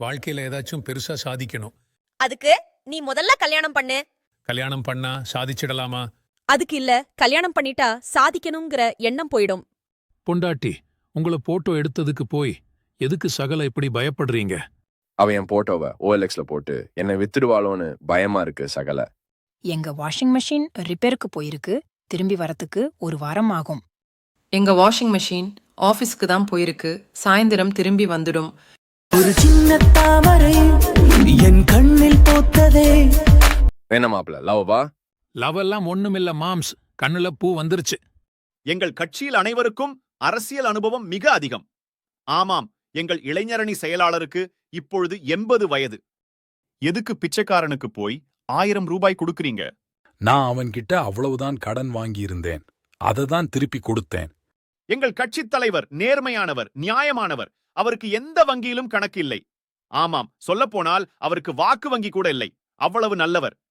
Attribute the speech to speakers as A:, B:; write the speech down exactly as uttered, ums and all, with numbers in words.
A: வாழ்க்கையில ஏதாச்சும் பெருசா சாதிக்கணும்.
B: அதுக்கு நீ முதல்ல கல்யாணம் பண்ணு.
A: கல்யாணம் பண்ணா சாதிச்சிடலாமா?
B: அதுக்கு இல்ல, கல்யாணம் பண்ணிட்டா சாதிக்கணுங்கிற எண்ணம் போயிடும்.
A: பொண்டாட்டி, உங்கள போட்டோ எடுத்ததுக்கு போய் எதுக்கு சகல இப்படி பயப்படுறீங்க?
C: அவ என் போட்டோவை ஓஎல்எக்ஸ்ல போட்டு என்னை வித்துடுவாளோன்னு பயமா இருக்கு சகல.
D: எங்க வாஷிங் மெஷின் ரிப்பேருக்கு போயிருக்கு. திரும்பி வரத்துக்கு ஒரு வாரம் ஆகும்.
E: எங்க வாஷிங் மெஷின் ஆபீஸ்க்கு தான் போயிருக்கு. சாயந்தரம் திரும்பி வந்துடும்.
F: ஒரு சின்ன தாமரை என் கண்ணில் போத்ததே.
C: என்ன மாப்பிள லவ்வா?
A: லவெல்லாம் ஒண்ணுமில்ல மாம்ஸ், கண்ணுல பூ வந்துருச்சு.
G: எங்கள் கட்சியில் அனைவருக்கும் அரசியல் அனுபவம் மிக அதிகம். ஆமாம், எங்கள் இளைஞரணி செயலாளருக்கு இப்பொழுது எண்பது வயது. எதுக்கு பிச்சைக்காரனுக்கு போய் ஆயிரம் ரூபாய் கொடுக்கறீங்க?
H: நான் அவன்கிட்ட அவ்வளவுதான் கடன் வாங்கியிருந்தேன். அதை தான் திருப்பி கொடுத்தேன்.
G: எங்கள் கட்சித் தலைவர் நேர்மையானவர், நியாயமானவர். அவருக்கு எந்த வங்கியிலும் கணக்கு இல்லை. ஆமாம், சொல்லப்போனால் அவருக்கு வாக்கு வங்கி கூட இல்லை. அவ்வளவு நல்லவர்.